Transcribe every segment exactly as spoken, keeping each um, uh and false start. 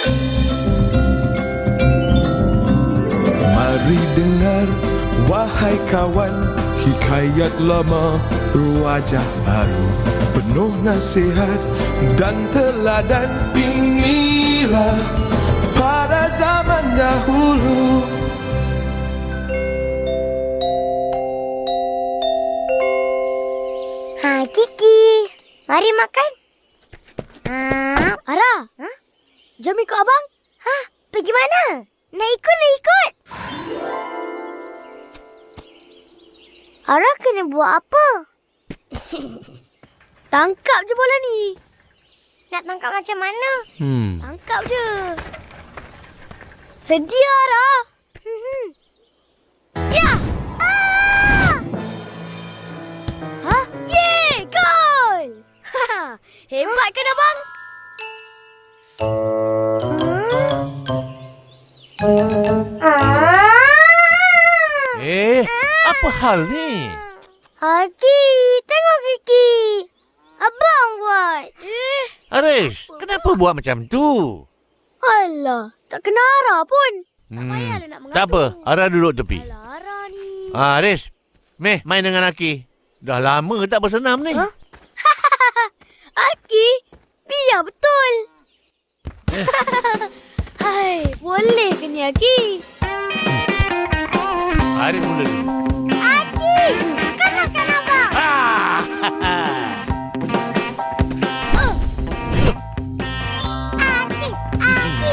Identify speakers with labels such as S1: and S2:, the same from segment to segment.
S1: Mari dengar, wahai kawan, hikayat lama berwajah baru, penuh nasihat dan teladan. Inilah pada zaman dahulu.
S2: Ha, Kiki, mari makan. Ha,
S3: Ara,
S2: ha?
S3: jom ikut abang.
S2: Ha, pergi mana? Nak ikut, nak ikut. Ara kena buat apa?
S3: Tangkap je bola ni.
S2: Nak tangkap macam mana?
S4: Hmm.
S3: Tangkap je. Sedia, Ara.
S2: Hmm.
S3: Ya! Ah! Ha? Yeay! Gol! Hebat kan, abang?
S2: Ah!
S4: Eh, apa hal ni?
S2: Aki, tengok Kiki. Abang buat.
S3: Eh,
S4: Arish, kenapa buat macam tu?
S3: alah. Tak kena Ara pun.
S4: Hmm.
S3: payahlah nak mengadu.
S4: Tak apa, Ara duduk tepi.
S3: Alah, Ara ni.
S4: Ah, Arish, meh main dengan Aki. Dah lama tak bersenam ni.
S3: Ha? Aki, biar betul. Hai, boleh ke ni, Aki?
S4: Arish mula dulu.
S2: Aki, kalahkan abang.
S4: Ah!
S2: Aki, Aki.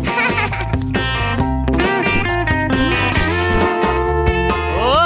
S4: Oh,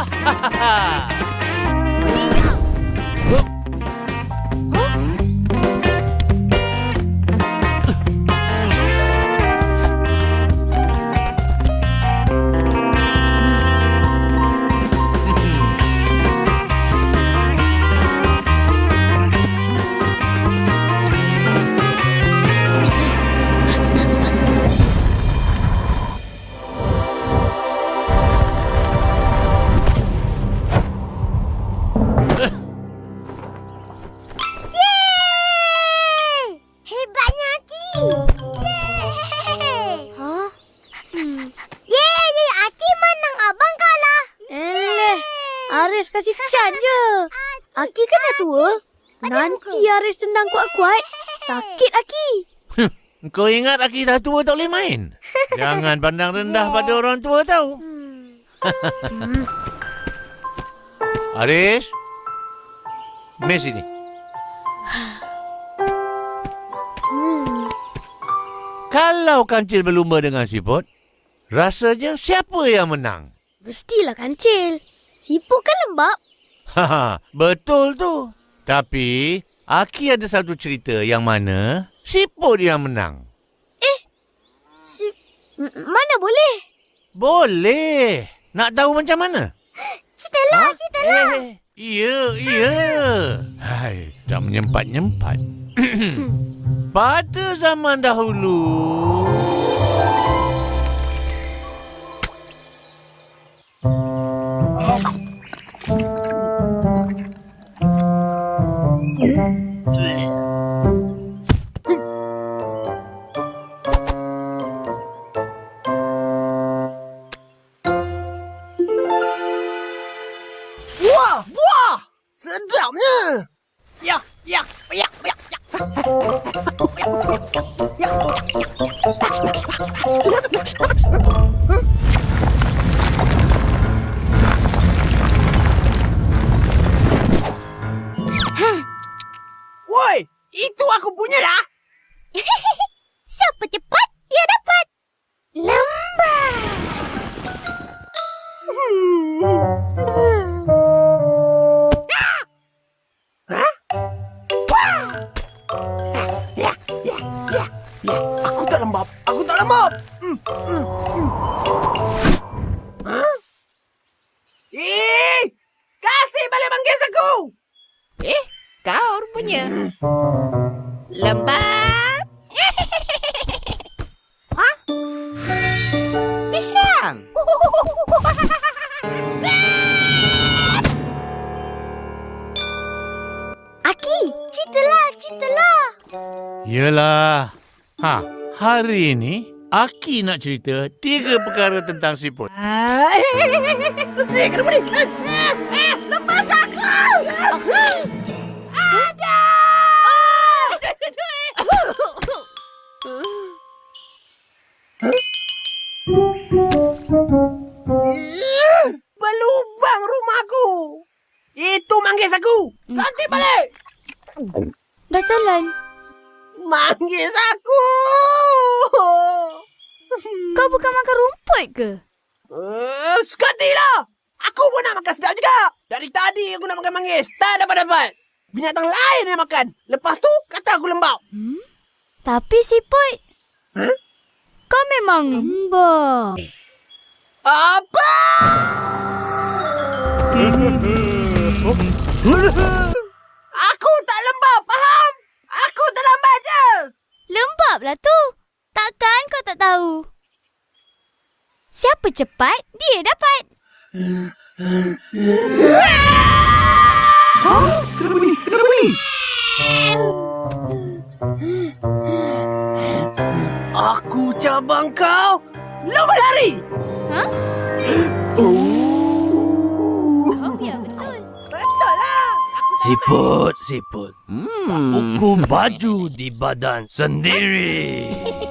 S2: Yeay! Hebatnya Aki. Yeay!
S3: Ha? Hmm.
S2: Yeay, yeay. Aki menang, abang kalah.
S3: Eh, Aris kasih can je. Aki kan dah tua. Nanti Aris tendang kuat-kuat, sakit Aki.
S4: kau ingat Aki dah tua tak boleh main? Jangan pandang rendah pada orang tua tau. Arish, meh sini. Kalau kancil berlumba dengan siput, rasanya siapa yang menang?
S3: Mestilah kancil. Siput kan lembab.
S4: Haha, betul tu. Tapi, Aki ada satu cerita yang mana siput yang menang.
S3: Si M- mana boleh?
S4: Boleh. Nak tahu macam mana?
S2: Ceritalah, ceritalah.
S4: Eh, iya, iya. Hai, dah menyempat-nyempat. Pada zaman dahulu,
S5: Wah, buah! Sedapnya! Ya, ya, ya, ya, ya. Ya, Woi, itu aku punya dah.
S2: Siapa cepat, dia dapat. Lambat.
S5: Ya, ya, ya, ya. Aku tak lembab. Aku tak lembab. Hmm, hmm, hmm. Hah? Eh, kasih balik manggis aku. Eh, kau rupanya. Lembab. Hah? Pisang.
S2: Aki, ceritalah, ceritalah.
S4: Yelah. Ha, Hari ini, Aki nak cerita tiga perkara tentang siput.
S5: Ah, eh, eh, kenapa ni? Eh, eh, lepas aku! Ada! Berlubang rumahku! Itu manggis aku! Ganti balik!
S3: Dah telan.
S5: Manggis aku!
S3: Kau bukan makan rumput ke?
S5: Uh, Sekatilah! Aku pun nak makan sedap juga! Dari tadi aku nak makan manggis. Tak dapat-dapat. Binatang lain yang makan. Lepas tu, kata aku lembab.
S3: Hmm? Tapi siput,
S5: Huh?
S3: kau memang lembab.
S5: Apa? Aku tak lembab, faham? Aku terlambat je.
S3: Lembab lah tu. Takkan kau tak tahu? Siapa cepat, dia dapat.
S5: Ha? Kenapa ni? Kenapa ni? Aku cabang kau. Lomba lari.
S3: Ha?
S5: Oh.
S3: Oh, ya betul.
S5: Betul lah.
S6: Siput, siput. Hmm. Ukur baju di badan sendiri.